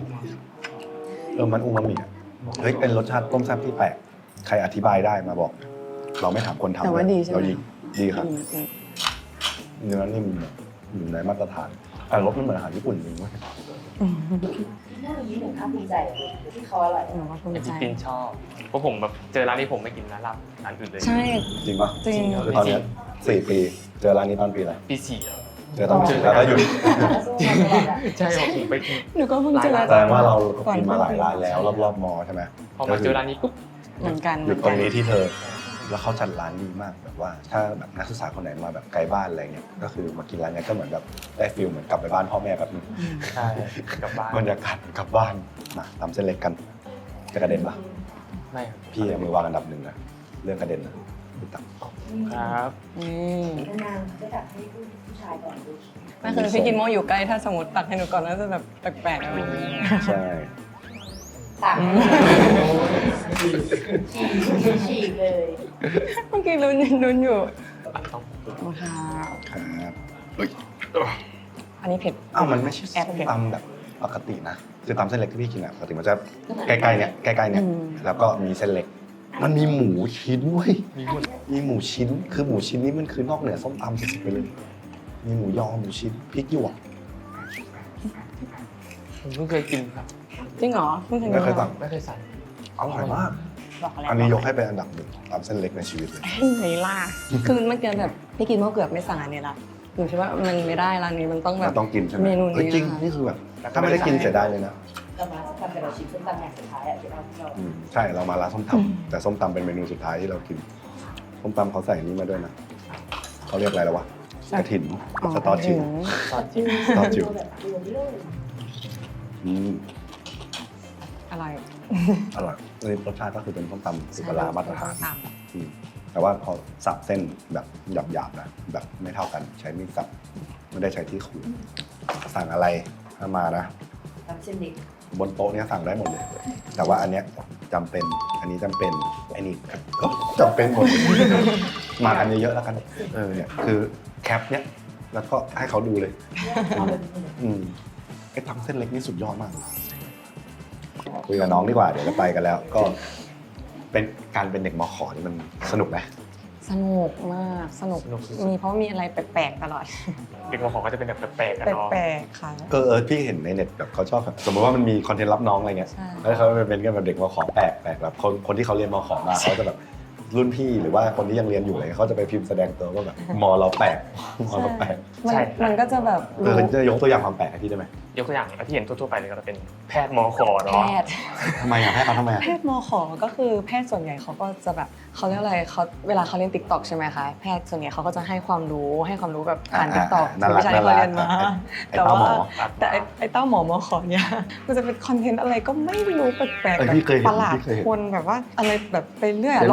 [SPEAKER 1] มันอูมามิอ่ะเฮ้ยเป็นรสชาติต้มแซ่บที่แปลกใครอธิบายได้มาบอก เราไม่ถามคนทำ
[SPEAKER 4] แต่ว่าดีใช่ไหม
[SPEAKER 1] เราดีครับ
[SPEAKER 4] อืม
[SPEAKER 1] เนื้อนิ่มอยู่ในมาตรฐานแต่รสมันเหมือนอาหารญี่ปุ่นจริงเว้ย
[SPEAKER 2] น่ามีหนึ่งภาคภูมิใจที่เขาอร่อย
[SPEAKER 4] หนูว่าภู
[SPEAKER 3] ๆ
[SPEAKER 4] มิ
[SPEAKER 3] เป็น
[SPEAKER 4] ใจ
[SPEAKER 3] ที่ปินชอบเพราะผมแบบเจอร้านนี้ผมไม่กินร้านอื่นเลย
[SPEAKER 4] ใช่
[SPEAKER 1] จริงปะ
[SPEAKER 4] จริง
[SPEAKER 1] คือตอนเนี้ย4 ปี เจอร้านนี้ตอนปีอะไร
[SPEAKER 3] ปีสี่อะ
[SPEAKER 1] เจอตอนปีแล้วก็หยุด
[SPEAKER 3] ใช่ผมไปกิน
[SPEAKER 4] หนูก็เพิ่งเจอ
[SPEAKER 1] แสดงว่าเรากินมาหลายร้านแล้วรอบๆมอใช่ไหม
[SPEAKER 3] พอมาเจอร้านนี้ปุ๊บ
[SPEAKER 4] เหมือนกัน
[SPEAKER 1] หยุดตรงนี้ที่เธอ แล้วเขาจัดร้านดีมากแบบว่า ถ้าแบบนักศึกษาคนไหนมาแบบไกลบ้านอะไรเงี้ยก็คือมากินร้านเนี้ยก็เหมือนแบบได้ฟิลเหมือนกลับไปบ้านพ่อแม่แบบนึง
[SPEAKER 3] ใช่กลับบ้าน
[SPEAKER 1] บรรยากาศกลับบ้านมาตำเส้นเล็กกันจะกระเด็นปะ
[SPEAKER 3] ไม่ครับ
[SPEAKER 1] พี่เอามือวางอันดับหนึ่งนะเรื่องกระเด็นนะพี่ตัก
[SPEAKER 3] ครับ
[SPEAKER 4] นี่
[SPEAKER 2] นานๆจะตักให้ผู้ชายก่อนดู
[SPEAKER 4] ไม่คือพี่กินโมอยู่ใกล้ถ้าสมมติตักให้หนูก่อนน่าจะแบบแปลกๆอะไรอย่างเงี้ย
[SPEAKER 1] ใช่
[SPEAKER 2] ตักฉีกเลย
[SPEAKER 4] เมื่อกี้ลุ้นอยู่
[SPEAKER 3] ต้อง
[SPEAKER 4] โอ้ค่ะ
[SPEAKER 1] ครับ
[SPEAKER 4] อันนี้เผ็ด
[SPEAKER 1] อ้าวมันไม่ใช่
[SPEAKER 4] แอบ
[SPEAKER 1] ส้ม
[SPEAKER 4] เผ็ด
[SPEAKER 1] ตำแบบปกตินะคือตำเส้นเล็กที่พี่กินอะปกติมันจะใกล้ๆเนี่ยแล้วก็มีเส้นเล็ก มันมีหมูชิ้นเว้ยมีหมูชิ้นคือหมูชิ้นนี้มันคือนอกเหนือส้มตำสุดๆไปเลย มีหมูยอหมูชิ้นพริกหยวก
[SPEAKER 3] ผมเพิ่งเคยกินครับ
[SPEAKER 4] จริงเหรอเพิ่งเคย
[SPEAKER 1] ไม่เคย
[SPEAKER 4] สั่
[SPEAKER 1] สั่
[SPEAKER 4] ง
[SPEAKER 1] ง
[SPEAKER 3] ไม่เคยสั่ง
[SPEAKER 1] อร่อยมาก
[SPEAKER 4] บอกแล้ว
[SPEAKER 1] อันนี้ยกให้เป็นอันดับหนึ่งตำเส้นเล็กในชีวิตเลย
[SPEAKER 4] ไหนล่ะคือเมื่อกี้แบบพี่กินโมเกือบไม่สั่งอันนี้ละหนูคิดว่ามันไม่ได้ร้านนี้มันต้องแบ
[SPEAKER 1] มั
[SPEAKER 4] บ
[SPEAKER 1] นต้องกินใช่ไหม
[SPEAKER 4] เมนูนี้
[SPEAKER 1] เฮ้ยจริง
[SPEAKER 4] นะคะ
[SPEAKER 1] นี่คือแบบถ้าไม่ได้กินเสียดายเลยนะ
[SPEAKER 2] เรามาทำเป็นเราชิมส้มตำอย่างสุดท้ายอ่ะที่เรา
[SPEAKER 1] ใช่เรามาร้านส้มตำแต่ส้มตำเป็นเมนูสุดท้ายที่เรากินส้มตำเขาใส่นี้มาด้วยนะเขาเรียกอะไรแล้ววะกระถิ่นสตอจิ๋ว
[SPEAKER 3] ซอสจิ้ม
[SPEAKER 1] สตอจิ๋ว
[SPEAKER 2] แบบรวมเลย
[SPEAKER 1] อืม
[SPEAKER 4] อะไร
[SPEAKER 1] อร่อยนี่รสชาติก็คือเป็นส้มตำสุกลามาตรฐาน
[SPEAKER 4] ค่ะ
[SPEAKER 1] อืมแต่ว่าพอสับเส้นแบบหยาบๆนะแบบไม่เท่ากันใช้มีดสับไม่ได้ใช้ที่ขูดสั่งอะไรถ้ามานะ
[SPEAKER 2] ทำเส้นเด็ก
[SPEAKER 1] บนโต๊ะเนี้ยสั่งได้หมดเลย แต่ว่าอันเนี้ยจำเป็นอันนี้จำเป็นไอ้นี่ก็จำเป็นหมดมากันเยอะๆแล้วกันเนี่ยคือแคปเนี้ยแล้วก็ให้เขาดูเลย ไอ้ทำเส้นเล็กนี่สุดยอดมากคุยกับน้องดีกว่าเดี๋ยวจะไปกันแล้ว ก็เป็นการเป็นเด็กมขนี่มันสนุกไหม
[SPEAKER 4] สนุกมากสนุกมีเพราะมีอะไรแปลกๆตลอด
[SPEAKER 3] เด็กมอของก็จะเป็นแบบแปลกๆกันเนาะ
[SPEAKER 4] แปลกๆค่ะ
[SPEAKER 1] พี่เห็นในเน็ตแบบเขาชอบแบบสมมติว่ามันมีคอนเทนต์รับน้องอะไรเงี้ย
[SPEAKER 4] ใช่
[SPEAKER 1] แล้วเขาไปเป็นกันแบบเด็กมขแปลกแบบคนที่เขาเรียนมขมาเขาจะแบบรุ่นพี่หรือว่าคนที่ยังเรียนอยู่อะไรเขาจะไปพิมพ์แสดงตัวว่าแบบมเราแปลกมเราแปลก
[SPEAKER 4] มันก็จะแบบ
[SPEAKER 1] จะยกตัวอย่างความแปลกให้พี่ได้ไหม
[SPEAKER 3] ยกตัวอย่างที่เห็นทั่วๆไปเลยก็จะเป็นแพทย์มอข
[SPEAKER 4] แพ
[SPEAKER 3] เนาะ
[SPEAKER 4] ทย์
[SPEAKER 1] ทำไมอ่ะให้เขาทำไมอ่ะ
[SPEAKER 4] แพทย์มขก็คือแพทย์ส่วนใหญ่เขาก็จะแบบเขาเรียกอะไรเขาเวลาเขาเรียนติ๊กต็อกใช่ไหมคะแพทย์ส่วนใหญ่เขาก็จะให้ความรู้แบบผ่านติ๊กต็อก
[SPEAKER 1] น่ารัก
[SPEAKER 4] วิชาที่เขาเรียนมา
[SPEAKER 1] ไอ้เต้าหมอ
[SPEAKER 4] แต่ไอ้เต้าหมอมขเนี่ยมันจะเป็นคอนเทนต์อะไรก็ไม่รู้แปลกๆ
[SPEAKER 1] เออ
[SPEAKER 4] แบบ
[SPEAKER 1] พี่เคยเห็น
[SPEAKER 4] ประหลาด
[SPEAKER 1] พี่เคยเห็น
[SPEAKER 4] คนแบบว่าอะไรแบบไปเรื่อย
[SPEAKER 1] เพี้ยน
[SPEAKER 4] เรา
[SPEAKER 1] เพี้ยน
[SPEAKER 4] เซิร์ช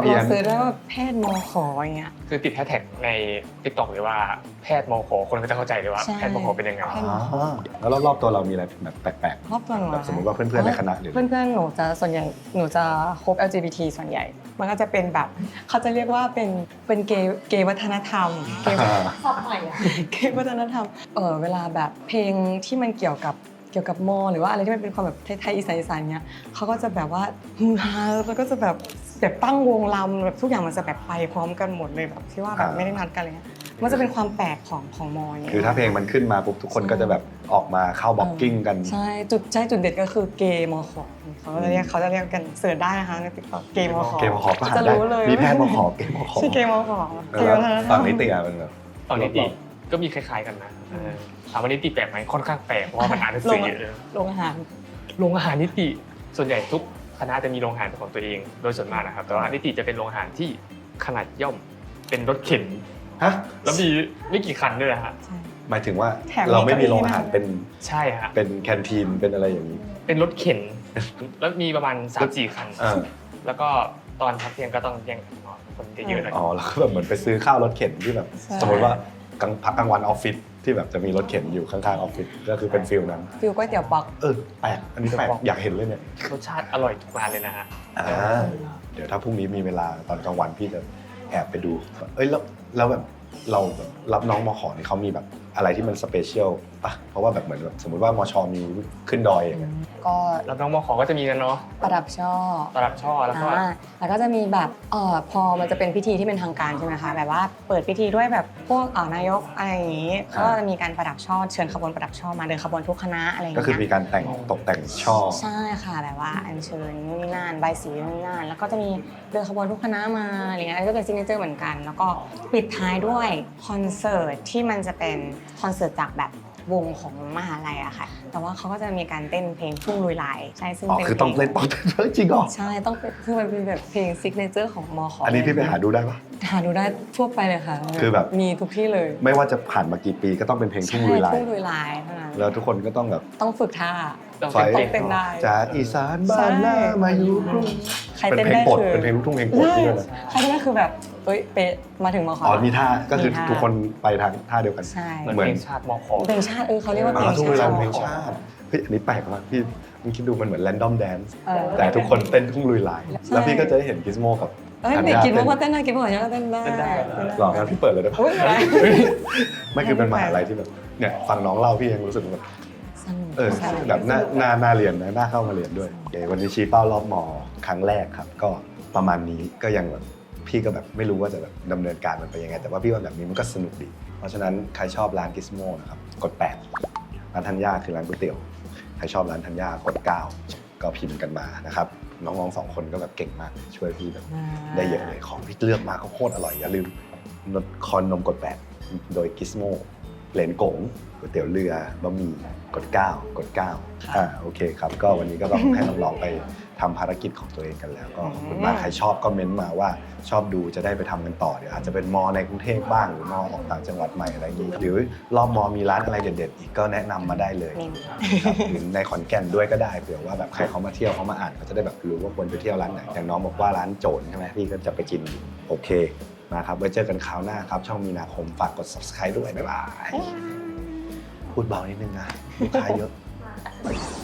[SPEAKER 4] ด้วยว่าแพทย์มขอย่างเงี้ย
[SPEAKER 3] คือติดแฮชแท็กใน TikTok เลยว่าแพทย์มขคนก็จะเข้าใจเลยว่า
[SPEAKER 4] ใช่
[SPEAKER 3] แพทย์มขเป็นยังไง
[SPEAKER 4] แพทย์
[SPEAKER 1] แล้วรอบๆตัวเรามีอะไรแบบแปลก
[SPEAKER 4] รอบตัวหนู
[SPEAKER 1] ๆแบบสมมติว่าเพื่อนๆในคณะหรือ
[SPEAKER 4] เพื่อนๆหนูจะส่วนใหญ่หนูจะคบ LGBT ส่วนใหญ่ มันก็จะเป็นแบบเขาจะเรียกว่าเป็นเกย์วัฒนธรรมเกย์
[SPEAKER 2] สับใหม่อะ
[SPEAKER 4] เกย์วัฒนธรรมเวลาแบบเพลงที่มันเกี่ยวกับมอหรือว่าอะไรที่มันเป็นความแบบไทยๆอีสานๆเงี้ยเขาก็จะแบบว่าฮือฮาแล้วก็จะแบบตั้งวงรำแบบทุกอย่างมันจะแบบไปพร้อมกันหมดเลยแบบที่ว่าแบบไม่ได้นัดกันอะไรเงี้ยมันจะเป็นความแปลกของมอเนี่ย
[SPEAKER 1] คือถ้าเพลงมันขึ้นมาปุ๊บทุกคนก็จะแบบออกมาเข้าบ็อกกิ้งกัน
[SPEAKER 4] ใช่จุดเด็ดก็คือเกย์มอขอเขาจะเรียกกันเสิร์ชได้นะคะในติ๊กต็อกเกย์มอขอ
[SPEAKER 1] เกมขอก็หา
[SPEAKER 4] จะ
[SPEAKER 1] ได้
[SPEAKER 4] รู้เลย
[SPEAKER 1] มีแพทย์มาขอเกมขอ
[SPEAKER 4] ชื่อเกย์มอขอเกย์
[SPEAKER 1] แล้ว
[SPEAKER 4] วัฒนธรร
[SPEAKER 1] ฝั่
[SPEAKER 4] ม
[SPEAKER 1] งนิติอ่ะมันแบบ
[SPEAKER 3] ตอนนิติก็มีคล้ายๆกันนะถามว่านิติแปลกไหมค่อนข้างแปลกเพราะว่ามันอ่านหนังสือเยอะ
[SPEAKER 4] โรงอาหาร
[SPEAKER 3] โรงอาหารนิติส่วนใหญ่ทุกคณะจะมีโรงอาหารเป็นของตัวเองโดยส่วนมากนะครับแต่ว่านิติจะเป็นโรงอาหารที่ขนาดย่อมเป็นรถเข็น
[SPEAKER 1] ฮะ
[SPEAKER 3] แล้วมีไม่กี่คันด้วยนะฮะ
[SPEAKER 4] ใช่
[SPEAKER 1] หมายถึงว่า
[SPEAKER 4] แถมมี
[SPEAKER 1] เราไม่มีโรงอาหาร
[SPEAKER 4] เก้าอี้
[SPEAKER 1] เป็น
[SPEAKER 3] ใช่ฮะ
[SPEAKER 1] เป็นแคนทีนเป็นอะไรอย่างนี้
[SPEAKER 3] เป็นรถเข็น แล้วมีประมาณ 3-4 คัน
[SPEAKER 1] อ่า
[SPEAKER 3] แล้วก็ตอนพักเที่ยงก็ต้องแย่งกันนอนคนจะเยอะหน่อย
[SPEAKER 1] อ๋อแล้วก็แบบเหมือนไปซื้อข้าวรถเข็นที่แบบ
[SPEAKER 4] ใช่
[SPEAKER 1] สมมติว่ากลางวันออฟฟิศที่แบบจะมีรถเข็นอยู่ข้างๆออฟฟิศก็คือเป็นฟิลนั้น
[SPEAKER 4] ฟิลก๋วยเตี๋ยวปัก
[SPEAKER 1] แปลกอันนี้แปลกอยากเห็นเลยเนี่ย
[SPEAKER 3] รสชาติอร่อยทุกร้านเลยนะฮะ
[SPEAKER 1] เดี๋ยวถ้าพรุ่งนี้มีเวลาตอนกลางวันพี่จะแอบไปดูแล้วแบบเราแบบรับน้องมขอนี่เขามีแบบอะไรที่มันสเปเชียลป่ะเพราะว่าแบบเหมือนแบบสมมติว่ามชมีขึ้นดอยอย่างเงี้ย
[SPEAKER 4] ก็
[SPEAKER 3] แล้วน้องมขอก็จะมีกันเนาะ
[SPEAKER 4] ประดับช่อ
[SPEAKER 3] ตลับช่อแล้วก็
[SPEAKER 4] แล้วก็จะมีแบบพอมันจะเป็นพิธีที่เป็นทางการใช่ไหมคะแบบว่าเปิดพิธีด้วยแบบพวกนายกอะไรอย่างนี้ก็จะมีการประดับช่อเชิญขบวนประดับช่อมาเดินขบวนทุกคณะอะไรอย่าง
[SPEAKER 1] ก็
[SPEAKER 4] เงี้ย
[SPEAKER 1] คือมีการตกแต่งช่อ
[SPEAKER 4] ใช่ค่ะแบบว่าอัญเชิญนู่นนี่นั่นใบสีนู่นนี่นั่นแล้วก็จะมีเดินขบวนทุกคณะมาอะไรเงี้ยอันนี้ก็เป็นซิกเนเจอร์เหมือนกัน แล้วก็ปิดท้ายด้วยคอนเสิร์ตที่มันจะเป็นคอนเสิร์ตจากแบบวงของมหาลัยอะค่ะแต่ว่าเขาก็จะมีการเต้นเพลงพุ่งลุยลายใช่ซึ่ง
[SPEAKER 1] อ๋อ
[SPEAKER 4] เป็น
[SPEAKER 1] คือต้องเล่นต้องจริงเหรอ
[SPEAKER 4] ใช่ต้องเป็นคือมันเป็นแบบเพลงซิกเนเจอร์ของมข
[SPEAKER 1] อันนี้พี่ไปหาดูได้ปะ
[SPEAKER 4] หาดูได้ทั่วไปเลยค่ะ
[SPEAKER 1] คือแบบ
[SPEAKER 4] มีทุกที่เลย
[SPEAKER 1] ไม่ว่าจะผ่านมากี่ปีก็ต้องเป็นเพลงทุ่งลุยลาย
[SPEAKER 4] ทุ่งลุยลายเท่านั้น
[SPEAKER 1] แล้วทุกคนก็ต้องแบบ
[SPEAKER 4] ต้องฝึกท่า
[SPEAKER 3] ต้อง
[SPEAKER 1] ไฟ
[SPEAKER 3] เป็น
[SPEAKER 4] เต้นได้
[SPEAKER 1] จากอีสานบ้านหน้ามาอยู่กรุง
[SPEAKER 4] ใคร
[SPEAKER 1] เป็น
[SPEAKER 4] เต้น
[SPEAKER 1] เพลง
[SPEAKER 4] ได้
[SPEAKER 1] โปรด
[SPEAKER 4] คือ
[SPEAKER 1] เป็นเพลงลูกทุ่งเพลงโปรด
[SPEAKER 4] ใช่
[SPEAKER 1] ที่ด้วยนะ
[SPEAKER 4] ใครเต้นได้คือแบบเอ้ยเป๊ะมาถึงมข
[SPEAKER 1] อ๋อมีท่าก็คือ
[SPEAKER 4] มีท่า
[SPEAKER 1] ทุกคนไปทางท่าเดียวกัน
[SPEAKER 4] ใช่
[SPEAKER 3] เหมือนเพลงชาติมขอ
[SPEAKER 4] เพลงชาติเขาเรียกว่าเพลง
[SPEAKER 1] ทุ่งลุยลาย
[SPEAKER 4] ชาติ
[SPEAKER 1] เพลงชาติเฮ้ยอันนี้แปลกมากพี่มึงคิดดูมันเหมือนแรนดอมแดนซ์
[SPEAKER 4] เออ
[SPEAKER 1] แต่ทุกคนเต้นทุ่งลุยลาย
[SPEAKER 4] ใช่
[SPEAKER 1] แล้วพี่ก็จะได้เห็นกิสโมกับ
[SPEAKER 4] เอ้ย
[SPEAKER 1] ธัญ
[SPEAKER 4] เด็ก
[SPEAKER 1] ญา
[SPEAKER 4] กิน
[SPEAKER 1] เต้น
[SPEAKER 4] ว่าเต้นได้กินว่าก็เต้นได้
[SPEAKER 1] หรองั้นพี่เปิดเลยได้ปะ
[SPEAKER 4] อุ๊ยอะไร
[SPEAKER 1] ไม่คือเป็นมหาลัยที่แบบเนี่ยฟังน้องเล่าพี่ยังรู้สึกแบบ
[SPEAKER 4] สนุก
[SPEAKER 1] ใช่แบบน่าเรียนนะน่าเข้ามาเรียนด้วยโอเควันนี้ชี้เป้ารอบมครั้งแรกครับ ก็ประมาณนี้ก็ยังแบบพี่ก็แบบไม่รู้ว่าจะแบบดำเนินการมันไปยังไง แต่ว่าพี่ว่าแบบนี้มันก็สนุกดี เพราะฉะนั้นใครชอบร้านกิสโมนะครับกด8ร้านธัญญาคือร้านก๋วยเตี๋ยวใครชอบร้านธัญญากด9ก็พิมพ์กันมานะครับน้องๆ2คนก็แบบเก่งมากช่วยพี่แบบได้เยอะเลยของที่เลือกมาก็โคตรอร่อยอย่าลืมคอนนมกด8โดยกิสโมเหลนกงก๋วยเตี๋ยวเรือบะหมี่กด9โอเคครับก็วันนี้ก็ต้องให้น้องๆไปทำภารกิจของตัวเองกันแล้วก็ขอบคุณมากใครชอบก็เม้นต์มาว่าชอบดูจะได้ไปทำกันต่อเดี๋ยวอาจจะเป็นมอในกรุงเทพบ้างหรือมอของต่างจังหวัดใหม่อะไรอย่างนี้หรือรอบมอมีร้านอะไรเด็ดๆอีกก็แนะนำมาได้เลยครับหรือในขอนแก่นด้วยก็ได้เผื่อว่าแบบใครเขามาเที่ยวเขามาอ่านเขาจะได้แบบรู้ว่าควรไปเที่ยวร้านไหนอย่างน้องบอกว่าร้านโจรใช่ไหมพี่ก็จะไปกินโอเคมาครับไว้เจอกันคราวหน้าครับช่องมีนาคมฝากกด subscribe ด้วยบ๊ายบายพูดเบานิดนึงนะลูกค้าเยอะ